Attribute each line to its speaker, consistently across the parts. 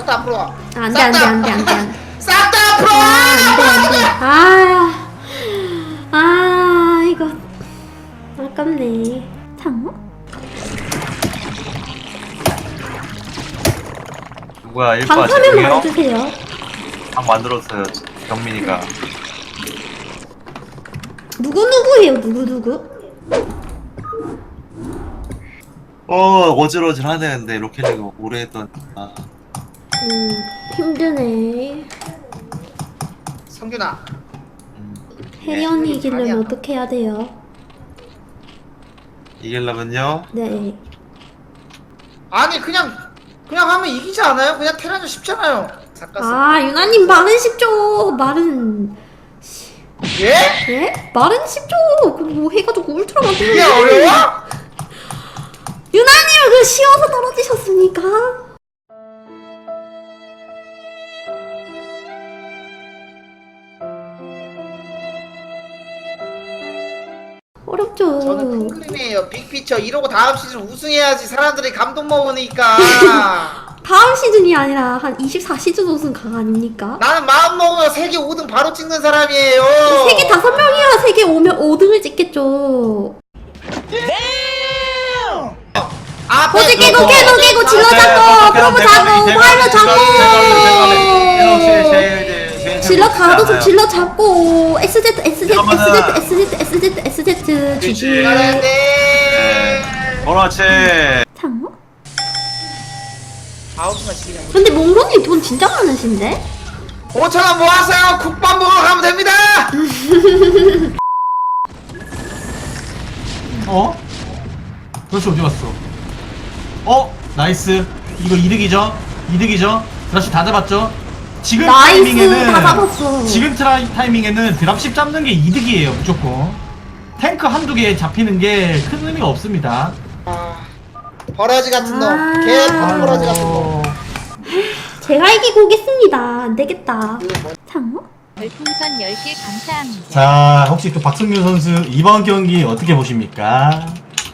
Speaker 1: 싹 다 앞으로 와.
Speaker 2: 안돼 안돼 안돼 안돼.
Speaker 1: 싹 다 앞으로 와.
Speaker 2: 안돼 안돼. 이거 아깝네. 장어?
Speaker 3: 누구야 1바
Speaker 2: 방탄을
Speaker 3: 제동이요?
Speaker 2: 말해주세요.
Speaker 3: 방 만들었어요 경민이가.
Speaker 2: 누구누구예요 누구누구?
Speaker 3: 어질어질하네. 근데 로켓리그 오래 했던.
Speaker 2: 힘드네.
Speaker 1: 성균아.
Speaker 2: 혜연이
Speaker 1: 아니야.
Speaker 2: 이기려면 어떻게 해야 돼요?
Speaker 3: 이기려면요?
Speaker 2: 네.
Speaker 1: 아니 그냥 하면 이기지 않아요? 그냥 테란전 쉽잖아요. 삭가스.
Speaker 2: 유나님 말은 쉽죠. 말은
Speaker 1: 예?
Speaker 2: 예? 말은 쉽죠. 그뭐 해가지고 울트라 만들면
Speaker 1: 이게 어려워?
Speaker 2: 유나님 그 쉬워서 떨어지셨습니까? 어렵죠.
Speaker 1: 저는 콩클림이에요. 빅피처 이러고 다음 시즌 우승해야지 사람들이 감동 먹으니까.
Speaker 2: 다음 시즌이 아니라 한 24시즌 우승 강 아닙니까?
Speaker 1: 나는 마음 먹으면 세계 5등 바로 찍는 사람이에요.
Speaker 2: 세계 5명이야. 세계 5등을 찍겠죠. 고지 깨고 질러 잡고 프로브 잡고 파일럿 잡고 질러 가도 질러 잡고 SZ GG.
Speaker 3: 그렇지.
Speaker 2: 장어?
Speaker 1: 아웃만 지키냐.
Speaker 2: 근데 몽로님 돈 진짜 많으신데?
Speaker 1: 5,000원 모았어요. 국밥 먹으러 가면 됩니다.
Speaker 4: 어? 그렇지 어디 갔어? 나이스. 이거 이득이죠? 드랍십 다 잡았죠? 지금
Speaker 2: 나이스
Speaker 4: 타이밍에는
Speaker 2: 다 잡았어.
Speaker 4: 지금 타이밍에는 드랍십 잡는 게 이득이에요 무조건. 탱크 한두 개 잡히는 게 큰 의미가 없습니다.
Speaker 1: 버러지 같은 놈. 개 버러지 같은 놈.
Speaker 2: 제가 이기고 오겠습니다. 안 되겠다. 장어?
Speaker 5: 별풍선 10개 감사합니다.
Speaker 4: 자 혹시 또 박승규 선수 이번 경기 어떻게 보십니까?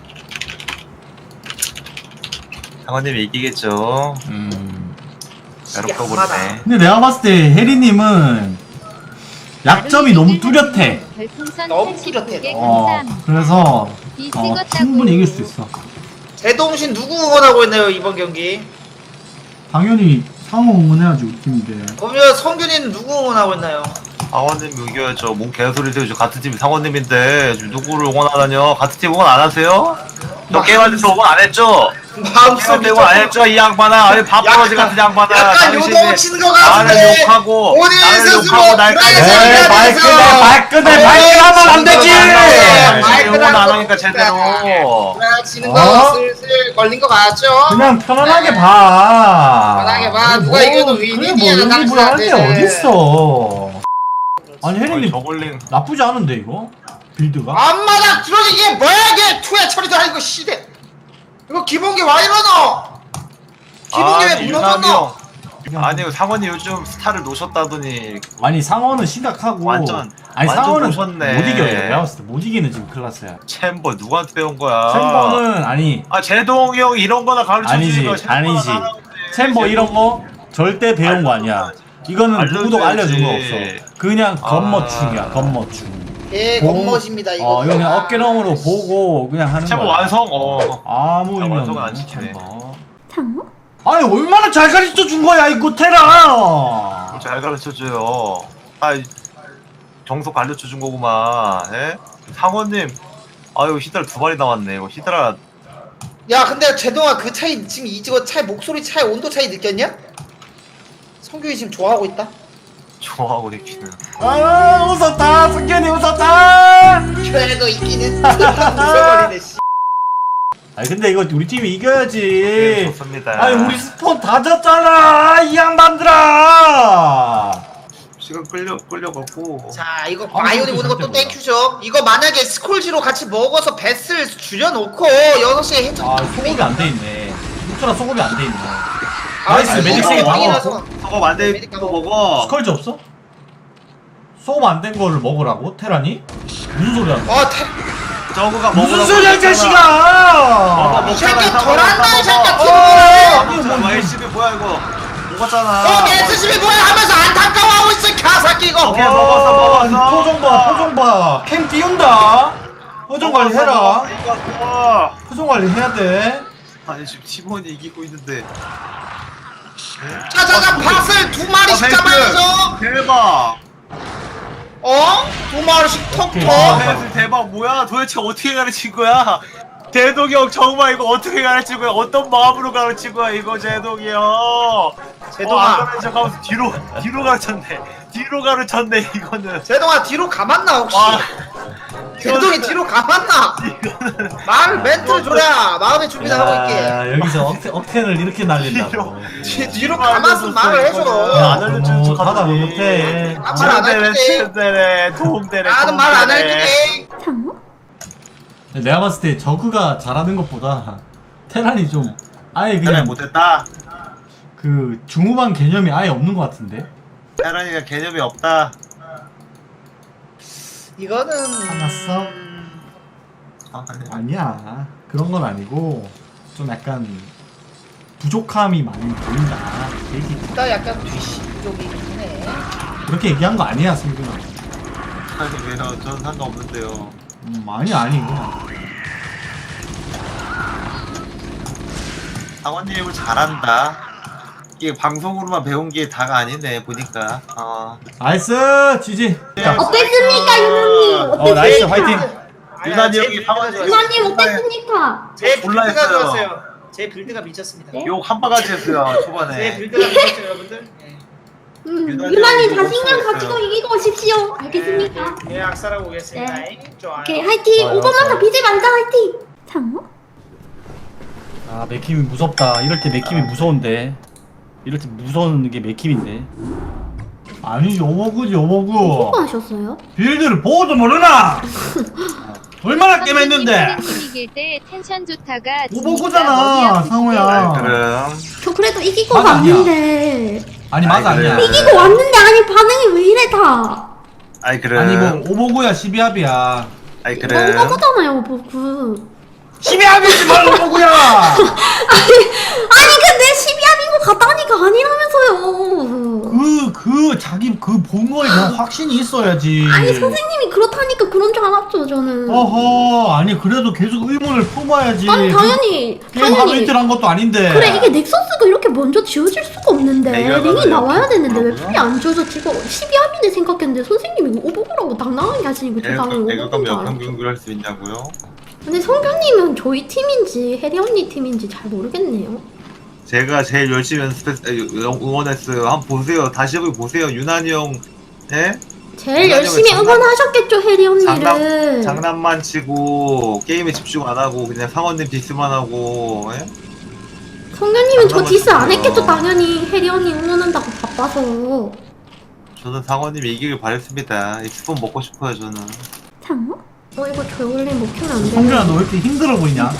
Speaker 3: 상원님이 이기겠죠. 외롭고 보네.
Speaker 4: 근데 내가 봤을 때 혜리님은 약점이 너무 뚜렷해.
Speaker 5: 별풍선
Speaker 1: 너무
Speaker 5: 89개
Speaker 1: 뚜렷해.
Speaker 5: 감사합니다.
Speaker 4: 그래서
Speaker 5: 이 찍었다고.
Speaker 4: 충분히 이길 수 있어.
Speaker 1: 제동신 누구 응원하고 있나요 이번 경기?
Speaker 4: 당연히 상호 응원해야지 우리 팀인데.
Speaker 1: 그러면 성균이는 누구 응원하고 있나요?
Speaker 3: 상원님 이겨야죠. 뭔 개소리 세우죠. 같은 팀 상원님인데 지금 누구를 응원하다뇨? 같은 팀 응원 안 하세요? 저 게임할 때 응원 안 했죠?
Speaker 1: 마음속에
Speaker 3: 응원 안 했죠? 이 양반아. 아니 밥버러지 같은 양반아.
Speaker 1: 약간 요동치는 거 같은데.
Speaker 3: 나를 욕하고
Speaker 1: 본인
Speaker 3: 나를
Speaker 1: 스스로
Speaker 3: 욕하고 날
Speaker 1: 프라이팬
Speaker 4: 발끈해 하면 안 되지.
Speaker 3: 응원 안 하니까 제대로.
Speaker 1: 지는 거 슬슬 걸린 거 같죠?
Speaker 4: 그냥 편안하게 봐.
Speaker 1: 편하게 봐. 누가 이겨도 윈이야,
Speaker 4: 뭐
Speaker 1: 당신한테.
Speaker 4: 할게 어딨어. 아니 혜린님
Speaker 3: 저글링
Speaker 4: 나쁘지 않은데 이거 빌드가.
Speaker 1: 앞마당 들어지 이게 뭐야 이게 투야 처리도 아니고 시대. 이거 기본기 와 이러노? 기본기 왜 무너졌노?
Speaker 3: 아니 상원이 요즘 스타를 놓으셨다더니
Speaker 4: 아니 상어는 심각하고
Speaker 3: 완전
Speaker 4: 상어는
Speaker 3: 놓으셨네.
Speaker 4: 못 이겨요. 내가 봤을 때 못 이기는 지금 클라스야.
Speaker 3: 챔버 누구한테 배운 거야?
Speaker 4: 챔버는 아니
Speaker 3: 제동이 형 이런 거나 가르쳐
Speaker 4: 아니지
Speaker 3: 주니까
Speaker 4: 아니지. 챔버 이런 거 절대 배운 거 아니야. 이거는 누구도 알려준 거 없어. 그냥 겉멋충이야 겉멋충.
Speaker 1: 예, 겉멋입니다 이거.
Speaker 4: 이거 그냥 어깨너머로 보고 그냥 하는
Speaker 3: 챔버
Speaker 4: 거야.
Speaker 3: 완성.
Speaker 4: 아무 의미
Speaker 3: 완성은 안
Speaker 4: 없는
Speaker 3: 지키네.
Speaker 4: 챔버.
Speaker 2: 장어?
Speaker 4: 아니 얼마나 잘 가르쳐 준 거야 이거 테라.
Speaker 3: 잘 가르쳐 줘요. 정석 가르쳐 준 거구만. 예? 상원님. 아유 히드라 2마리 나왔네. 이거 히드라
Speaker 1: 야 근데 제동아 그 차이 지금 이거 차이 목소리 차이 온도 차이 느꼈냐? 성균이 지금 좋아하고 있다.
Speaker 3: 좋아하고 있기는.
Speaker 4: 웃었다 승현이 웃었다.
Speaker 1: 그래도 있기는 웃어버리네 씨.
Speaker 4: 아니 근데 이거 우리 팀이
Speaker 3: 네,
Speaker 4: 이겨야지.
Speaker 3: 좋습니다.
Speaker 4: 아니 우리 스폰 다 졌잖아 이 양반들아.
Speaker 3: 시간 끌려갖고.
Speaker 1: 자 이거 바이오닉 오는 것도 땡큐죠. 이거 만약에 스콜지로 같이 먹어서 뱃을 줄여놓고 6시에 해적.
Speaker 4: 소급이 안 돼 있네. 울트라 소급이 안 돼 있네.
Speaker 1: 아,
Speaker 4: 나이스 메딕 세개 다 먹었어.
Speaker 3: 저거 만들 거 먹어.
Speaker 4: 스컬지 없어? 소급 안 된 거를 먹으라고 테란이? 무슨 소리야?
Speaker 3: 저거가 먹으라고.
Speaker 4: 무슨 소리야 이 자식아!
Speaker 1: 이 새끼 덜한다 이 새끼야.
Speaker 4: 아니,
Speaker 3: 뭐 LCB 뭐야 이거? 먹었잖아.
Speaker 1: SCB 뭐야 하면서 안타까워하고 있어 가사키 이거.
Speaker 3: 오케이, 먹었어.
Speaker 4: 표정 봐. 캠 띄운다. 표정 관리 해라.
Speaker 3: 이거
Speaker 4: 표정 관리 해야 돼.
Speaker 3: 아니 지금 팀원이 이기고 있는데.
Speaker 1: 자자자 팥을 두 마리씩 잡아야죠.
Speaker 3: 대박.
Speaker 1: 두 마리씩 톡톡.
Speaker 3: 대박 뭐야? 도대체 어떻게 가르친 거야? 제동이 형 정말 이거 어떻게 가르친 거야? 어떤 마음으로 가르친 거야 이거 제동이 형?
Speaker 1: 제동아.
Speaker 3: 안 가르쳐 가면서 뒤로 가르쳤네. 뒤로 가르쳤네 이거는.
Speaker 1: 제동아 뒤로 가봤나 혹시?
Speaker 3: 와.
Speaker 1: 제동이 뒤로 가봤나? 말 멘트를 줘야 마음의 준비를 하고 있게.
Speaker 4: 야, 여기서 억텐을 이렇게 날린다고.
Speaker 1: 뒤로 가만있으면 말을 해줘.
Speaker 4: 야,
Speaker 3: 안 알려주는 척
Speaker 4: 하다
Speaker 3: 하더니.
Speaker 4: 못해.
Speaker 1: 아, 말안
Speaker 3: 치는데래
Speaker 1: 할게.
Speaker 3: 치는데래 도움되래.
Speaker 1: 나는 말 안 할게.
Speaker 2: 장어?
Speaker 4: 내가 봤을 때 저그가 잘하는 것보다 테란이 좀 아예
Speaker 3: 그래
Speaker 4: 그냥
Speaker 3: 못했다.
Speaker 4: 그 중후반 개념이 아예 없는 것 같은데.
Speaker 3: 태란이가 개념이 없다.
Speaker 1: 이거는
Speaker 4: 화났어?
Speaker 3: 아, 아니.
Speaker 4: 아니야. 그런 건 아니고 좀 약간 부족함이 많이 보인다. 얘기
Speaker 1: 나 약간 뒤쪽이긴 해.
Speaker 4: 그렇게 얘기한 거 아니야, 승균아.
Speaker 3: 아니 왜요? 저는 상관없는데요.
Speaker 4: 아니고.
Speaker 3: 상원님을 잘한다. 이게 방송으로만 배운 게 다가 아니네 보니까.
Speaker 4: 나이스, 지지.
Speaker 2: 어땠습니까, 유나님?
Speaker 4: 나이스,
Speaker 2: 어땠습니까?
Speaker 4: 화이팅.
Speaker 3: 유난히 형이 상원님
Speaker 2: 유나님 어땠습니까?
Speaker 1: 제
Speaker 3: 몰라
Speaker 1: 빌드가
Speaker 3: 했어요.
Speaker 1: 좋았어요. 제 빌드가 미쳤습니다.
Speaker 2: 네?
Speaker 3: 욕 한 바가지 했어요
Speaker 1: 제
Speaker 3: 초반에.
Speaker 1: 빌드가 미쳤죠 여러분들. 네.
Speaker 2: 유나님 자신감 가지고 이기고 오십시오. 알겠습니까?
Speaker 1: 예, 악사라고 오겠습니다. 좋아요.
Speaker 2: 오케이, 화이팅!
Speaker 4: 좋아요,
Speaker 2: 5번만 더
Speaker 4: 좋아요.
Speaker 2: 비지 말자, 화이팅! 장어?
Speaker 4: 아, 맥힘이 무섭다. 이럴 때 맥힘이 무서운데. 이럴 때 무서운 게 맥힘인데. 아니지, 오버구지, 오버구.
Speaker 2: 수고하셨어요?
Speaker 4: 빌드를 보고도 모르나? 얼마나 게임했는데?
Speaker 5: 이길 때 텐션 좋다가
Speaker 4: 오버구잖아, 상호야.
Speaker 3: 그럼
Speaker 2: 저 그래도 이기고
Speaker 4: 맞아, 아니야.
Speaker 2: 왔는데
Speaker 4: 아니, 맞아,
Speaker 3: 아이, 그래.
Speaker 4: 아니야.
Speaker 2: 이기고 왔는데 아니 반응이 왜 이래 다
Speaker 3: 아이 그래.
Speaker 4: 아니, 뭐, 오버구야, 12합이야.
Speaker 3: 아이
Speaker 2: 이거
Speaker 3: 그래.
Speaker 2: 오버거잖아요 오버그
Speaker 4: 12합이지, 뭘 오버구야!
Speaker 2: 아니 근데 12합인 것 같다니까 아니라면서요
Speaker 4: 자기 본 거에 대한 확신이 있어야지.
Speaker 2: 아니 선생님이 그렇다니까 그런 줄 알았죠 저는
Speaker 4: 어허, 아니, 그래도 계속 의문을 품어야지.
Speaker 2: 아니 당연히
Speaker 4: 게임 하루
Speaker 2: 당연히
Speaker 4: 이틀 한 것도 아닌데.
Speaker 2: 그래 이게 넥서스가 이렇게 먼저 지워질 수가 없는데
Speaker 3: 내가
Speaker 2: 링이
Speaker 3: 봐도
Speaker 2: 나와야 되는데 왜
Speaker 3: 그렇구나.
Speaker 2: 풀이 안 지워져 지금 12합이네 생각했는데 선생님이 이거 오버그라고 당당하게 하시니까 저 당연히
Speaker 3: 애가
Speaker 2: 오버그인 줄
Speaker 3: 몇
Speaker 2: 알았죠
Speaker 3: 평균 할 수 있냐고요?
Speaker 2: 근데 성규님은 저희 팀인지 혜리 언니 팀인지 잘 모르겠네요.
Speaker 3: 제가 제일 열심히 응원했어요. 한번 보세요. 다시 한번 보세요. 유난히 형, 예?
Speaker 2: 제일
Speaker 3: 장난-
Speaker 2: 열심히 응원하셨겠죠 혜리 언니를.
Speaker 3: 장난만 치고 게임에 집중 안 하고 그냥 상원님 디스만 하고, 예?
Speaker 2: 성규님은 저 디스 안
Speaker 3: 장난만
Speaker 2: 했겠죠
Speaker 3: 치고요.
Speaker 2: 당연히 혜리 언니 응원한다고 바빠서.
Speaker 3: 저는 상원님 이기길 바랬습니다. 이 스폰 먹고 싶어요 저는.
Speaker 2: 장어? 이거 저올림 못 키면 안
Speaker 4: 성준아,
Speaker 2: 돼.
Speaker 4: 너 왜 이렇게 힘들어 보이냐?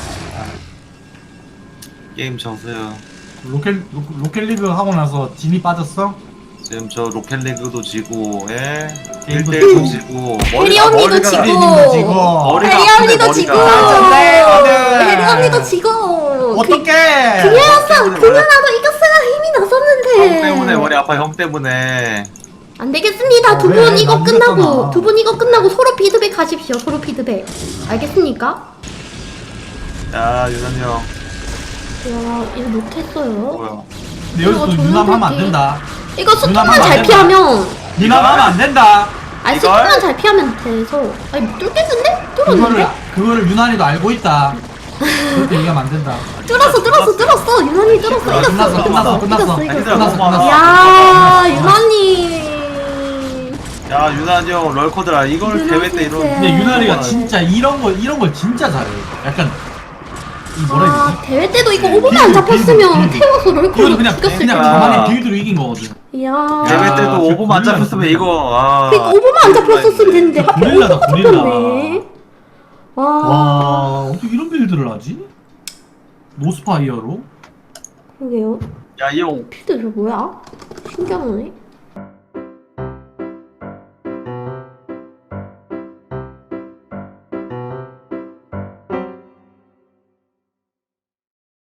Speaker 3: 게임 져서요.
Speaker 4: 로켓리그 하고 나서 진이 빠졌어?
Speaker 3: 지금 저 로켓리그도 지고, 예?
Speaker 4: 게임도
Speaker 3: 1대1도 지고,
Speaker 2: 혜리 언니도
Speaker 3: 머리가-
Speaker 2: 지고.
Speaker 4: 혜리님도 지고.
Speaker 3: 머리가
Speaker 2: 혜리
Speaker 3: 아프네,
Speaker 2: 언니도 지고.
Speaker 3: 머리가.
Speaker 2: 혜리 언니도 지고.
Speaker 4: 어떡해!
Speaker 2: 그녀였어
Speaker 3: 때문에
Speaker 2: 그녀라도 이겼어야 힘이 났었는데.
Speaker 3: 형 때문에 머리 아파. 형 때문에.
Speaker 2: 안 되겠습니다. 두
Speaker 4: 왜?
Speaker 2: 분 이거
Speaker 4: 나
Speaker 2: 끝나고
Speaker 4: 이겼잖아.
Speaker 2: 두 분 이거 끝나고 서로 피드백 하십시오. 서로 피드백. 알겠습니까?
Speaker 3: 야 유난히 형
Speaker 2: 와 이거 못했어요.
Speaker 3: 뭐야?
Speaker 4: 근데 여기서 또
Speaker 2: 이거
Speaker 4: 유남하면 안
Speaker 2: 정말
Speaker 4: 된다.
Speaker 2: 이거
Speaker 4: 누나만
Speaker 2: 스톱만
Speaker 4: 안
Speaker 2: 잘
Speaker 4: 된다.
Speaker 2: 피하면
Speaker 4: 유남하면 안 된다.
Speaker 2: 아니
Speaker 3: 이걸?
Speaker 2: 스톱만 잘 피하면 돼서 아니 뚫겠는데? 뚫었는데?
Speaker 4: 그거를 유난히도 알고 있다. 그렇게 얘기하면 안 된다.
Speaker 2: 뚫었어 유난히 뚫었어
Speaker 4: 끝났어,
Speaker 2: 이겼어
Speaker 4: 끝났어.
Speaker 2: 이겼어
Speaker 3: 아니,
Speaker 4: 끝났어.
Speaker 2: 야 유난히
Speaker 3: 야 유난히 형 럴코드라 이걸
Speaker 2: 유난
Speaker 3: 대회 때 이런.
Speaker 2: 진짜.
Speaker 4: 근데 유난이가
Speaker 3: 거
Speaker 4: 진짜 이런 걸 진짜 잘해. 약간 이 뭐라 해야
Speaker 2: 아
Speaker 4: 되지?
Speaker 2: 대회 때도 이거 오버만 안 잡혔으면
Speaker 4: 빌드.
Speaker 2: 태워서
Speaker 4: 이거는
Speaker 2: 럴코를
Speaker 4: 그냥
Speaker 2: 죽였을
Speaker 4: 그냥
Speaker 2: 거야
Speaker 4: 가만히 빌드로 이긴 거거든.
Speaker 2: 이야
Speaker 3: 대회
Speaker 4: 야,
Speaker 3: 때도
Speaker 4: 그
Speaker 3: 5분 안
Speaker 4: 고릴라
Speaker 3: 잡혔으면
Speaker 4: 진짜.
Speaker 3: 이거. 아.
Speaker 2: 그니까 오버만 안 잡혔었으면 됐는데 하필
Speaker 4: 고릴라다,
Speaker 2: 오버가
Speaker 4: 고릴라.
Speaker 2: 잡혔네 와
Speaker 4: 와, 어떻게 이런 빌드를 하지? 노스파이어로?
Speaker 2: 그러게요
Speaker 3: 야 이 형
Speaker 2: 필드 저 뭐야? 신기하네